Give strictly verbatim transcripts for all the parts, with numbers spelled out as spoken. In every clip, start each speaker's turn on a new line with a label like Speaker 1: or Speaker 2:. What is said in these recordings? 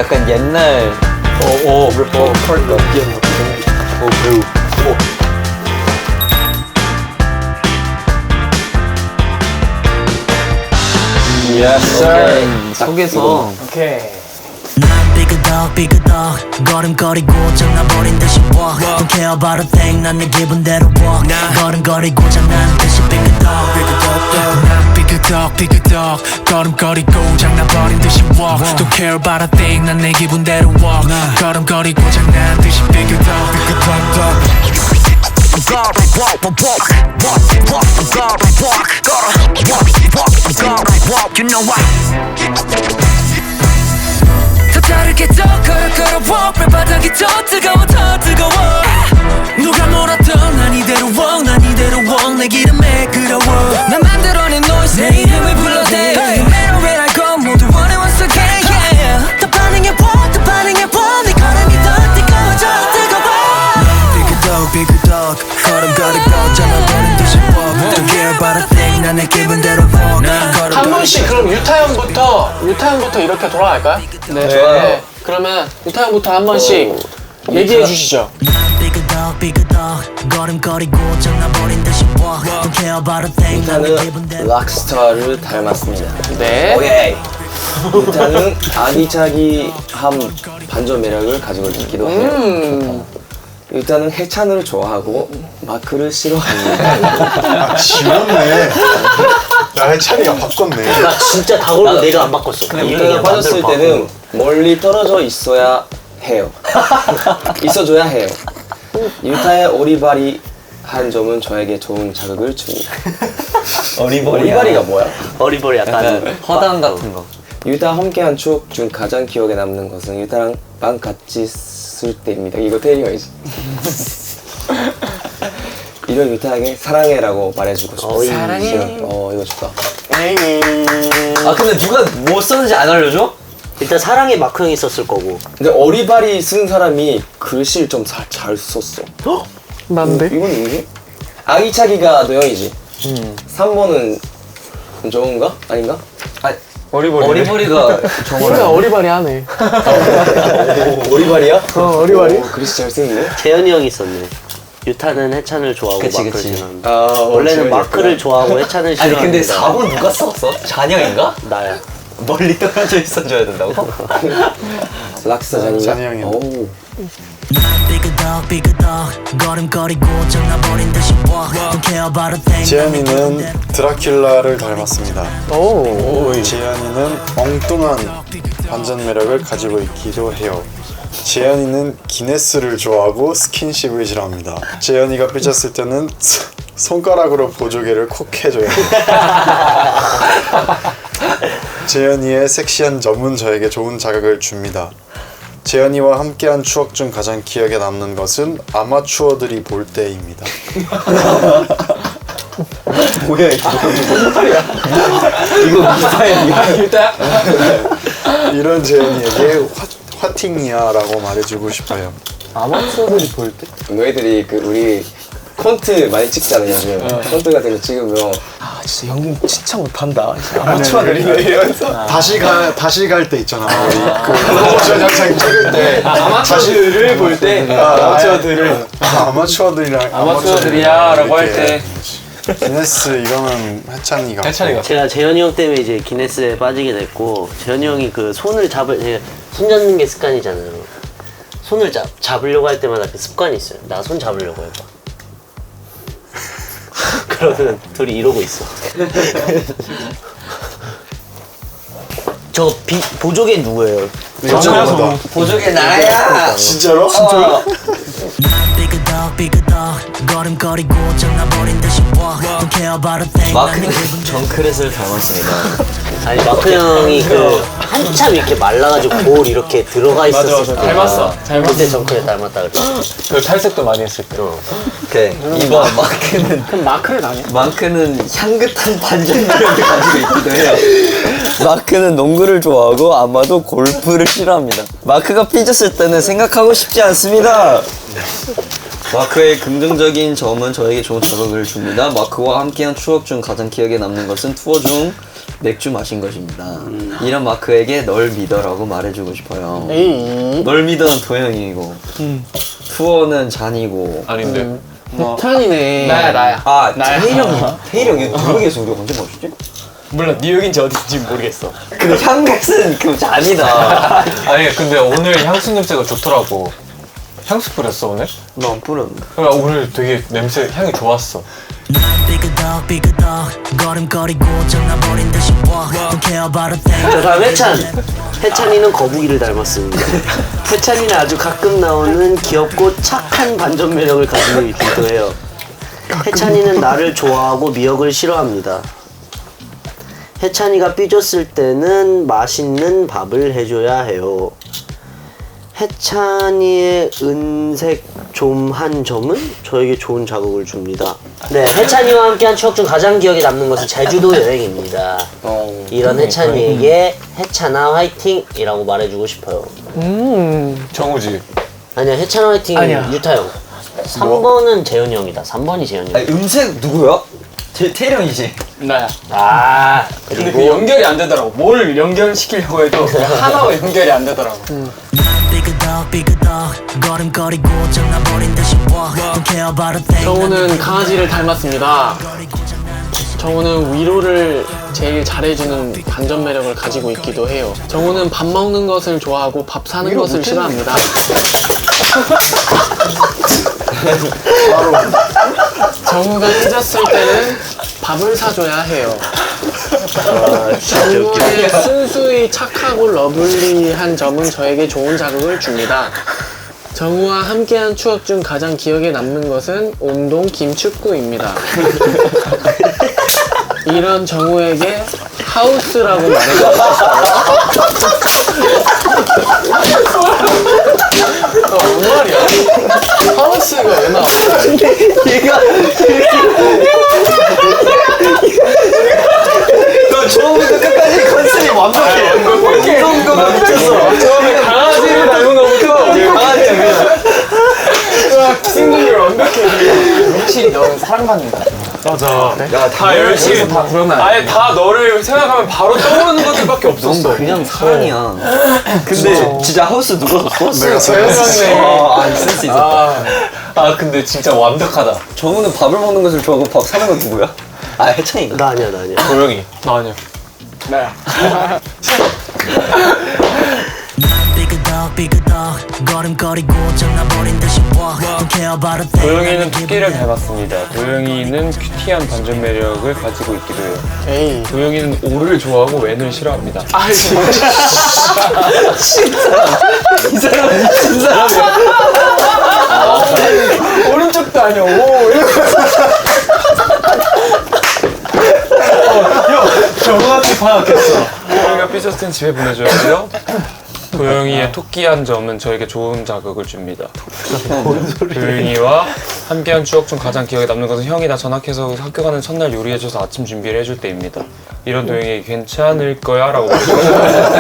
Speaker 1: 약간 옛날
Speaker 2: 오오 래퍼 컬러 오 배우 오
Speaker 1: Yes sir. 속에서
Speaker 2: 오케이
Speaker 3: 삐그덕 삐그덕 걸음거리고 장난버린 듯이 walk Don't care about a thing 난 내 기분대로 walk 걸음거리고 장난 듯이 삐그덕 난 삐그덕 삐그덕 걸음거리고 장난버린 듯이 walk Don't care about a thing 난 내 기분대로 walk 걸음거리고 장난 듯이 삐그덕 삐그덕 I'm gonna walk, walk, walk, walk, walk. I'm gonna walk, gonna walk, walk. I'm gonna walk, you know why? 더 다르게 더 걸어 걸어 walk 발바닥이 더 뜨거워 더 뜨거워 누가 뭐라던 난 이대로 walk 난 이대로 walk 내 기름에 끌어워 난 만들어낸 noise 내 이름을 불러대 No matter where I go 모두 원해 once again yeah 더 반응해 walk 더 반응해 walk 내 걸음이 더 뜨거워져 뜨거워 삐그덕 삐그덕 걸음거리고 장난버린 듯이 walk Don't care about a thing 난 내 기분대로 walk
Speaker 4: 한 번씩 그럼 유타 형부터 유타 형부터 이렇게 돌아갈까요? 네.
Speaker 1: 좋아요.
Speaker 4: 그러면 유타 형부터 한 번씩
Speaker 1: 오,
Speaker 4: 얘기해
Speaker 1: 유타-
Speaker 4: 주시죠.
Speaker 3: 삐그덕 삐그덕 걸음거리고 장난버린 듯이 walk Don't care about a thing 난 내
Speaker 5: 유타는
Speaker 3: 기분대로
Speaker 5: 락스타를 닮았습니다.
Speaker 4: 네.
Speaker 5: 오케이. 유타는 아기자기함 반전 매력을 가지고 있기도 해요.
Speaker 4: 음.
Speaker 5: 유타는 해찬을 좋아하고 마크를 싫어합니다.
Speaker 2: 지웠네 야 해찬이가 바꿨네
Speaker 6: 나 진짜 다 걸고 내가 안 바꿨어.
Speaker 5: 유타가 빠졌을 때는 멀리 떨어져 있어야 해요. 있어줘야 해요. 유타의 오리발이 한 점은 저에게 좋은 자극을 줍니다.
Speaker 1: 어리버리야.
Speaker 5: 오리발이가 뭐야?
Speaker 6: 어리버리 약간
Speaker 1: 약간 허당 같은 거.
Speaker 5: 유타 함께한 추억 중 가장 기억에 남는 것은 유타랑 방 같이 쓸 때입니다. 이거 태리 형이지. 이런 유타에게 사랑해라고 말해주고 싶어.
Speaker 6: 어이.
Speaker 4: 사랑해.
Speaker 5: 어 이거 좋다.
Speaker 1: 아 근데 누가 뭐 썼는지 안 알려줘?
Speaker 6: 일단 사랑의 마크 형이 썼을 거고.
Speaker 5: 근데 어리발이 쓴 사람이 글씨를 좀 잘 썼어.
Speaker 4: 난데?
Speaker 5: 이건 누구지? 아기차기가 너 형이지. 삼 번은 좋은가? 아닌가?
Speaker 1: 아
Speaker 2: 어리버리
Speaker 1: 어리버리가
Speaker 4: 우리가
Speaker 1: 저거를
Speaker 4: 어리바리 하네.
Speaker 5: 오리발이야?
Speaker 4: 어, 어리바리?
Speaker 5: 오, 글씨 잘 쓰는데?
Speaker 6: 재현이 형이 썼네. 유타는 해찬을 좋아하고
Speaker 1: 그치,
Speaker 6: 마크를
Speaker 1: 그치.
Speaker 6: 싫어한다.
Speaker 5: 아 어,
Speaker 6: 원래는
Speaker 5: 재현이
Speaker 6: 마크를
Speaker 5: 했구나.
Speaker 6: 좋아하고 해찬을
Speaker 1: 아니
Speaker 6: 싫어한다.
Speaker 1: 근데 사 번 누가 썼어? 잔영인가?
Speaker 6: 나야.
Speaker 1: 멀리 떨어져 있어줘야 된다고?
Speaker 5: 락스타 잔이가?
Speaker 2: 잔이 형이야.
Speaker 5: 오.
Speaker 3: 삐그덕 삐그덕 걸음거리고 장난버린 듯이 walk Don't care about a thing
Speaker 2: 재현이는 드라큘라를 닮았습니다.
Speaker 4: 오.
Speaker 2: 재현이는 엉뚱한 반전 매력을 가지고 있기도 해요. 재현이는 기네스를 좋아하고 스킨십을 싫어합니다. 재현이가 삐졌을 때는 스- 손가락으로 보조개를 콕 해줘요. 재현이의 섹시한 점은 저에게 좋은 자극을 줍니다. 재현이와 함께한 추억 중 가장 기억에 남는 것은 아마추어들이 볼 때입니다.
Speaker 5: 뭐야 이거?
Speaker 1: 이거 미사일이야.
Speaker 4: 유타?
Speaker 2: 이런 재현이에게 화, 화팅이야라고 말해주고 싶어요.
Speaker 4: 아마추어들이 볼 때?
Speaker 5: 너희들이 그 우리 콘트 많이 찍잖아 요즘. 콘트 같은 거 찍으면
Speaker 4: 아 진짜 형님 진짜 못한다. 아마추어들이네 이러면서.
Speaker 2: 다시 가 다시 갈 때 있잖아. 우리 그 프로모션 영상 찍을 때
Speaker 4: 아마추어들을 볼 때. 아마추어들을.
Speaker 2: 아, 아마추어들이랑
Speaker 4: 아마추어들이야라고 할 때.
Speaker 2: 기네스 이거는 해찬이가.
Speaker 4: 해찬이가.
Speaker 6: 제가 재현이 형 때문에 이제 기네스에 빠지게 됐고, 재현이 형이 그 손을 잡을 제가 손 잡는 게 습관이잖아요. 손을 잡 잡으려고 할 때마다 그 습관이 있어요. 나 손 잡으려고 해봐. 그러면 둘이 이러고 있어. 저 비, 보조개 누구예요?
Speaker 2: 정우다.
Speaker 1: 보조개 나야.
Speaker 2: 진짜로?
Speaker 3: 삐그덕 삐그덕 걸음거리고 장난버린 듯이 walk Don't care about a thing
Speaker 1: 마크는 정크렛을 닮았습니다.
Speaker 6: 아니 마크 형이 그 한참 이렇게 말라가지고 볼 이렇게 들어가 있었을 때
Speaker 4: 닮았어.
Speaker 6: 그때 정크에 닮았다 그랬어.
Speaker 4: 그 탈색도 많이 했을 때.
Speaker 1: 오케이 이번 마크는
Speaker 4: 그럼 마크를 아니야?
Speaker 1: 마크는 향긋한 반전 매력을 가지고 있기도 해요.
Speaker 5: 마크는 농구를 좋아하고 아마도 골프를 싫어합니다. 마크가 삐졌을 때는 생각하고 싶지 않습니다. 마크의 긍정적인 점은 저에게 좋은 자극을 줍니다. 마크와 함께한 추억 중 가장 기억에 남는 것은 투어 중 맥주 마신 것입니다. 이런 마크에게 널 믿어라고 말해주고 싶어요.
Speaker 4: 에이.
Speaker 5: 널 믿어는 도영이고 투어는 잔이고
Speaker 1: 아닌데.
Speaker 4: 태연이네. 나야 나야.
Speaker 5: 아
Speaker 4: 나야.
Speaker 5: 태일 형이 태일 형이 모르겠어. 우리가 언제 마셨지?
Speaker 1: 몰라, 뉴욕인지 어딘지 모르겠어.
Speaker 5: 그 향긋은 그 잔이다.
Speaker 1: 아니, 근데 오늘 향수 냄새가 좋더라고. 향수 뿌렸어, 오늘?
Speaker 5: 너 안 뿌렸는데.
Speaker 1: 그러니까 오늘 되게 냄새, 향이 좋았어.
Speaker 3: 삐그덕 삐그덕 걸음거리고 정나버린 듯이 walk Don't care about a thing
Speaker 6: 자, 다음 해찬. 해찬이는 거북이를 닮았습니다. 해찬이는 아주 가끔 나오는 귀엽고 착한 반전 매력을 가지고 있기도 해요. 해찬이는 나를 좋아하고 미역을 싫어합니다. 해찬이가 삐졌을 때는 맛있는 밥을 해줘야 해요. 해찬이의 은색 좀 한 점은 저에게 좋은 자극을 줍니다. 네, 해찬이와 함께한 추억 중 가장 기억에 남는 것은 제주도 여행입니다.
Speaker 5: 어.
Speaker 6: 이런 해찬이에게 해찬아 화이팅이라고 말해주고 싶어요.
Speaker 4: 음.
Speaker 1: 정우지.
Speaker 6: 아니야, 해찬아 화이팅
Speaker 4: 아니야.
Speaker 6: 유타 형. 삼 번은 재현이 형이다. 삼 번이 재현이 형.
Speaker 5: 아니 음색 누구야? 태, 태일 형이지.
Speaker 4: 나야.
Speaker 6: 아,
Speaker 1: 근데 그
Speaker 6: 그리고
Speaker 1: 연결이 안 되더라고. 뭘 연결시키려고 해도 하나와 연결이 안 되더라고.
Speaker 3: 삐그덕 삐그덕 걸음거리고 정나버린 듯이 walk Don't care about a thing
Speaker 4: 정우는 강아지를 닮았습니다. 정우는 위로를 제일 잘해주는 반전 매력을 가지고 있기도 해요. 정우는 밥 먹는 것을 좋아하고 밥 사는 것을 싫어합니다. 정우가 삐졌을 때는 밥을 사줘야 해요. 정우의 순수히 착하고 러블리한 점은 저에게 좋은 자극을 줍니다. 정우와 함께한 추억 중 가장 기억에 남는 것은 운동 김축구입니다. 이런 정우에게 하우스라고 말해주고 싶어요. 어, 뭔 말이야? 하우스가 왜 나와?
Speaker 6: 얘가 너 처음부터 끝까지 컨셉이 완벽해. 이런 거가 미쳤어.
Speaker 1: 처음에 강아지를 닮은 거부터
Speaker 6: 강아지야 그냥.
Speaker 4: 생각이 완벽해.
Speaker 1: 역시 넌 사랑받는다. 맞아.
Speaker 5: 야,
Speaker 1: 다 열심히 다 그러면 아예 다 너를 생각하면 바로 떠오르는 것들밖에 없었어.
Speaker 5: 그냥 사랑이야. 근데 진짜 하우스 누가 줬어?
Speaker 2: 내가
Speaker 1: 재현이네.
Speaker 5: 아, 아, 센스 있었다.
Speaker 1: 아, 아 근데 진짜 완벽하다.
Speaker 5: 정우는 밥을 먹는 것을 좋아하고 밥 사는 건 누구야? 아, 해찬이가.
Speaker 6: 나 아니야, 나 아니야.
Speaker 1: 도영이. 나 아니야.
Speaker 4: 나야.
Speaker 3: 삐그덕 삐그덕 걸음거리고 정나버린 듯이 walk Don't care about a thing
Speaker 7: 도영이는 토끼를 닮았습니다. 도영이는 큐티한 반전 매력을 가지고 있기도 해요.
Speaker 4: 에이.
Speaker 7: 도영이는 오를 좋아하고 웬을 싫어합니다.
Speaker 4: 아, 진짜.
Speaker 5: 이 사람 미친 사람이야.
Speaker 4: 오른쪽도 아니야. 오, 이렇게.
Speaker 1: 정확히 파악했어.
Speaker 7: 도영이가 삐졌을 땐 집에 보내줘야 돼요. 도영이의 토끼한 점은 저에게 좋은 자극을 줍니다. 도영이와 함께한 추억 중 가장 기억에 남는 것은 형이 나 전학해서 학교 가는 첫날 요리해줘서 아침 준비를 해줄 때입니다. 이런 도영이 괜찮을 거야 라고 말해주고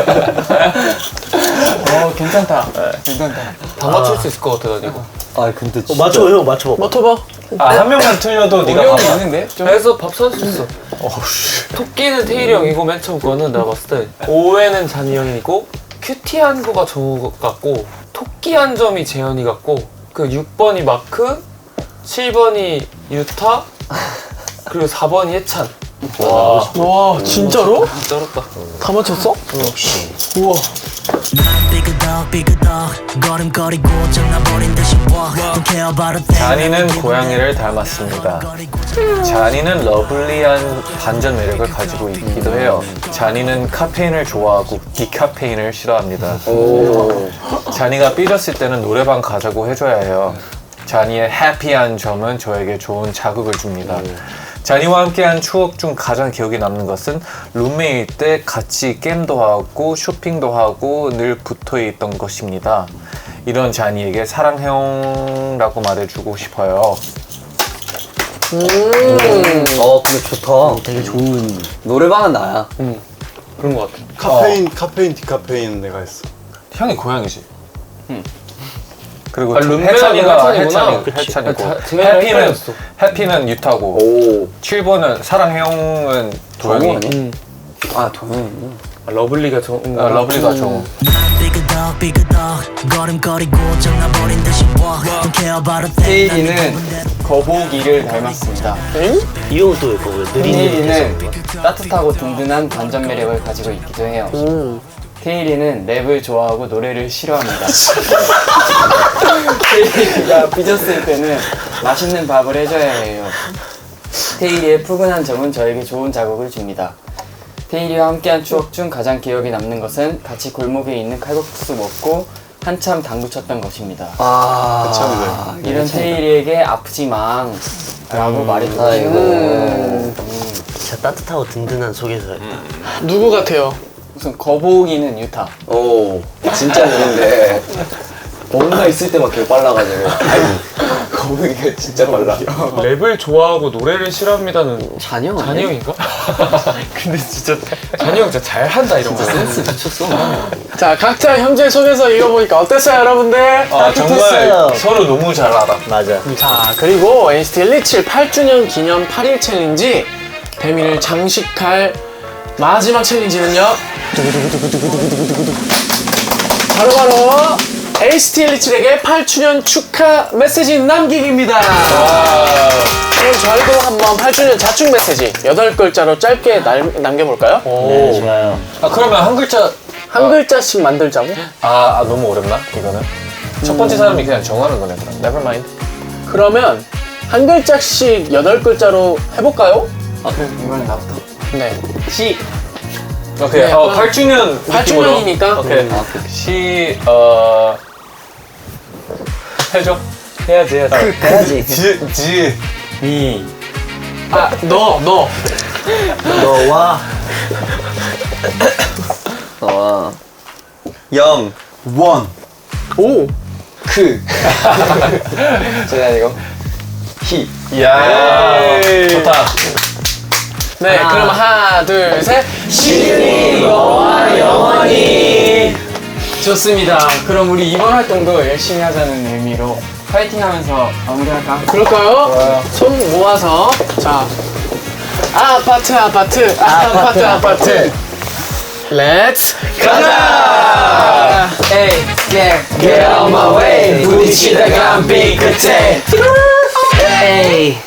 Speaker 4: 어, 괜찮다. 괜찮다.
Speaker 1: 다 맞출 수 있을 것 같아, 나 이거.
Speaker 5: 아, 근데
Speaker 6: 어,
Speaker 5: 진짜.
Speaker 6: 맞춰, 형 맞춰.
Speaker 4: 맡아봐.
Speaker 1: 아, 한 명만 틀려도 네가
Speaker 7: 어려움이
Speaker 1: 봐봐.
Speaker 7: 있는데? 그래서 밥 사줬어. 토끼는 태일이 형이고 맨 처음 거는 내가 봤을 때 오에는 잔이 형이고 큐티한 거가 정우 같고 토끼한 점이 재현이 같고 그 육 번이 마크, 칠 번이 유타, 그리고 사 번이 해찬.
Speaker 4: 와, 진짜로?
Speaker 7: 진짜 어렵다.
Speaker 4: 다 맞췄어? 우와.
Speaker 3: 삐그덕 삐그덕 걸음거리고 정나버린 듯이 walk Don't care about a thing
Speaker 1: 잔이는 고양이를 닮았습니다. 잔이는 러블리한 반전 매력을 가지고 있기도 해요. 잔이는 카페인을 좋아하고 디카페인을 싫어합니다. 잔이가 삐졌을 때는 노래방 가자고 해줘야 해요. 잔이의 해피한 점은 저에게 좋은 자극을 줍니다. 잔이와 함께한 추억 중 가장 기억에 남는 것은 룸메일 때 같이 게임도 하고 쇼핑도 하고 늘 붙어있던 것입니다. 이런 잔이에게 사랑해요라고 말해주고 싶어요.
Speaker 5: 어, 근데 좋다.
Speaker 6: 되게 좋은.
Speaker 5: 노래방은 나야.
Speaker 7: 그런 거 같아.
Speaker 2: 카페인 카페인 디카페인 내가 했어.
Speaker 1: 형이 고양이지. 그리고
Speaker 7: 아, 룸메는
Speaker 1: 해찬이가
Speaker 7: 해찬이구나.
Speaker 1: 해찬이, 해찬이고
Speaker 7: 아, 다- 제가
Speaker 1: 해피는
Speaker 7: 헷갈렸어.
Speaker 1: 해피는 유타고
Speaker 5: 오.
Speaker 1: 칠 번은 사랑해요는 도영이.
Speaker 5: 정우 아니야? 아 동현이.
Speaker 7: 아, 러블리가 좋은 거.
Speaker 1: 아, 러블리가 정우.
Speaker 3: 삐그덕 삐그덕 걸음걸이 고장나버린 듯이 walk Don't care about a thing
Speaker 8: 테일이는 거북이를 닮았습니다.
Speaker 6: 이 형은 또 왜 거고요?
Speaker 8: 테일이는
Speaker 6: 느릿느릿해서.
Speaker 8: 따뜻하고 든든한 반전 매력을 가지고 있기도 해요. 테일이는 랩을 좋아하고 노래를 싫어합니다. 테일이가 삐졌을 때는 맛있는 밥을 해줘야 해요. 테일이의 푸근한 점은 저에게 좋은 자극을 줍니다. 테일이와 함께한 추억 중 가장 기억에 남는 것은 같이 골목에 있는 칼국수 먹고 한참 당구 쳤던 것입니다.
Speaker 5: 아.
Speaker 8: 이런 테일이에게 아프지망 라고 말해주고
Speaker 6: 아이고.
Speaker 8: 음.
Speaker 6: 진짜 따뜻하고 든든한 소개서였다.
Speaker 4: 누구 같아요?
Speaker 8: 우선 거북이는 유타.
Speaker 5: 오. 진짜 느린데. 뭔가 있을 때만 개 빨라가지고. 거북이가 진짜 빨라.
Speaker 7: 랩을 좋아하고 노래를 싫어합니다는
Speaker 6: 잔영 아니야?
Speaker 7: 잔영인가? 근데 진짜 잔영 진짜 잘한다 이런 거.
Speaker 6: 센스 미쳤어.
Speaker 4: 자, 각자 현재 소개서 읽어보니까 어땠어요, 여러분들?
Speaker 1: 아, 정말
Speaker 6: 따뜻했어요.
Speaker 1: 서로 너무 잘 알아.
Speaker 6: 맞아.
Speaker 4: 자, 그리고 엔시티 일이칠 팔 주년 기념 팔 일 챌린지 배민을 장식할 마지막 챌린지는요. 두구두구두구두구두구두구두구. 바로바로 엔시티 일이칠에게 팔 주년 축하 메시지 남기기입니다. 그럼 저희도 한번 팔 주년 자축 메시지 여덟 글자로 짧게 날, 남겨볼까요?
Speaker 6: 네, 좋아요.
Speaker 1: 아, 그러면 한 글자.
Speaker 4: 한 글자씩 만들자고?
Speaker 1: 아, 아 너무 어렵나? 이거는? 첫 번째 사람이 그냥 정하는 거네, 그럼. Never mind.
Speaker 4: 그러면 한 글자씩 여덟 글자로 해볼까요?
Speaker 8: 아, 그래, 이번엔 나부터.
Speaker 4: 네.
Speaker 8: 시.
Speaker 1: 오케이.
Speaker 4: 네,
Speaker 1: 어,
Speaker 4: 그럼
Speaker 1: 팔 주년.
Speaker 4: 팔 주년이니까.
Speaker 1: 오케이.
Speaker 8: 음, 아,
Speaker 1: 시, 어. 해줘.
Speaker 8: 해야지, 해야지.
Speaker 6: 해야지.
Speaker 1: 지, 지.
Speaker 8: 미.
Speaker 4: 아, 너, 너.
Speaker 6: 너와
Speaker 5: 어. 영.
Speaker 2: 원.
Speaker 4: 오.
Speaker 8: 크. 저기 아니고. 히.
Speaker 1: 이야. 좋다.
Speaker 4: 네, 그럼 하나, 둘, 셋.
Speaker 8: 시윤이 너와 영원히. 좋습니다. 그럼 우리 이번 활동도 열심히 하자는 의미로 파이팅 하면서 마무리할까?
Speaker 4: 그럴까요? 손 모아서. 자. 아파트, 아파트, 아파트, 아파트. 렛츠 가자!
Speaker 8: Hey, yeah, get on my way. 부딪히다가 한 삐끗해.
Speaker 6: 에이